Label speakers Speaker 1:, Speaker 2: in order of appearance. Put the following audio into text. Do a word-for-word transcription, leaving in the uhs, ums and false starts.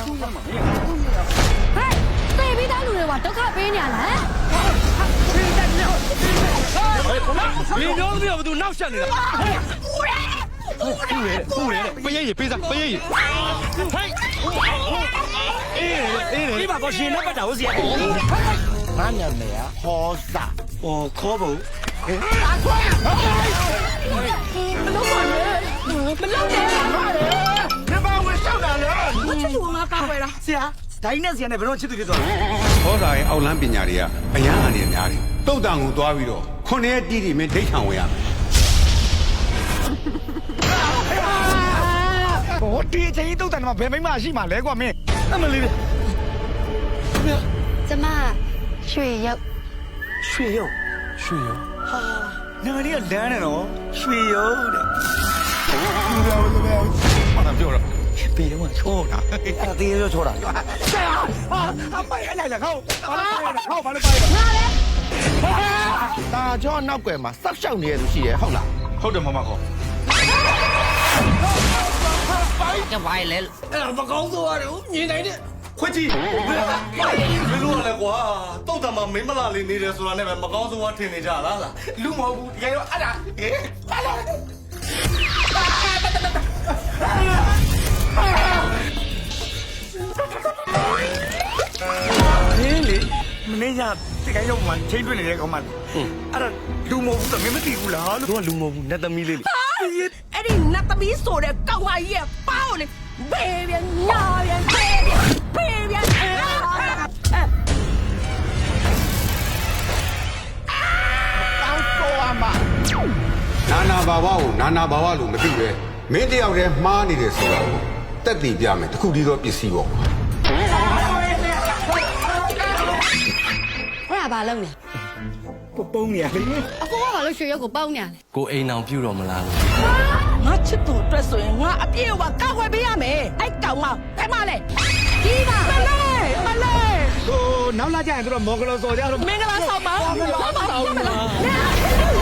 Speaker 1: 对比他路的话，都靠别人了。
Speaker 2: 你娘子要不都闹下你了？不人，不人，不愿意，背上，不愿意。嘿，哎，你把个心那个头先。
Speaker 3: 哪年的呀？好傻，
Speaker 2: 哦，可不。
Speaker 1: 老管人，没老人。
Speaker 3: 你把我上哪了？
Speaker 1: 我就是我妈发回来。
Speaker 3: 是啊，တိုင်းနဲ့စီနဲ့ဘယ်တော့ချစ်သူဖြစ်သွားလဲ
Speaker 4: ဟောစာရဲ့အောက်လန်းပညာတွေကအရန်အနေနဲ့များတယ်တုတ်တန်ကိုသွားပြီးတော့ခုနှစ်ရက်တီးတီမင်းဒိတ်ခံဝင်ရမယ်
Speaker 3: ဟောဒီအချိန်ကြီးတုတ်တန်မှာဘယ်မိမရှိမှာလဲကွာမင်းအမလေး
Speaker 1: 怎么？血药。
Speaker 3: ရွှေရုံရွှေရုံဟာနာမည်ကလမ်းနဲ့တော့ရွှေရုံတဲ့ဒီလိုလိုဘာသာပြောတော့ပြေတော့ချောတာအဲ့ဒါတေးရောချောတာဟာအပိုင်အဲ့လိုက်ခေါဘာလို့ပိုင်ခေါဘာလို့ပိုင်တာကြောနောက်ွယ်မှာစောက်ရှောက်နေရသူရှိရဲ့ဟုတ်လား
Speaker 2: ဟုတ်တယ်မမခေါ်
Speaker 5: 这歪来了，
Speaker 2: အဲ့ဒါမကောင်းဆိုရတယ်မြင်နိုင်တဲ့ခွကြီး
Speaker 6: မင်းတို့ကလည်းကွာတုတ်တံမှာမင်းမလာလေးနေတယ်ဆိုတာနဲ့ပဲမကောင်းဆုံးကထင်နေကြလားလားလူမဟုတ်ဘူးတကယ်တော့အဲ့ဒါဟေးပါလာ
Speaker 3: ဟင်းလေမင်းကတကယ်ရောက်မှချိန်တွေ့နေတဲ့ကောင်မလေးအဲ့ဒါလူမဟုတ်ဘူးသမီးမသိဘူးလားလို့
Speaker 6: တို့ကလူမဟုတ်ဘူးနတ်သမီးလေးလေ
Speaker 7: အဲ့ဒီနတ်သမီးဆိုတဲ့ကောက်မကြီးရဲ့ပေါင်းလေဘေးပြန်ညာပြန်ဘေးပြန်ဘေးပြန်အဲ့
Speaker 3: ကောင်းတော့အမ
Speaker 4: နာနာဘာဝကိုနာနာဘာဝလို့မသိပဲမင်းတယောက်တည်းမှားနေတယ်ဆိုတော့တက်တည်ပြမယ်တခုတည်းသောပစ္စည်းပေါ့
Speaker 1: အဲ့ဒါဘာလုပ်နေ
Speaker 3: ပုံနေရလေ
Speaker 1: အကိုကဘာလို့ရွှေရုပ်ကိုပေါင်းနေရလဲ
Speaker 5: ကိုအိမ်အောင်ပြုတော်မလားလို့
Speaker 7: ငါချစ်သူအတွက်ဆိုရင်ငါအပြည့်အဝကောက်ွယ်ပေးရမယ်အဲ့ကောင်မဖဲမလဲ
Speaker 1: ဒီပါ
Speaker 7: မလေးမလေး
Speaker 3: ဟိုနောက်လာကြရင်တို့မော်ဂလောစော်ကြတော့
Speaker 7: မင်္ဂလာဆောင်ပါ
Speaker 3: မင်္ဂလာဆောင်ပါ
Speaker 7: လာ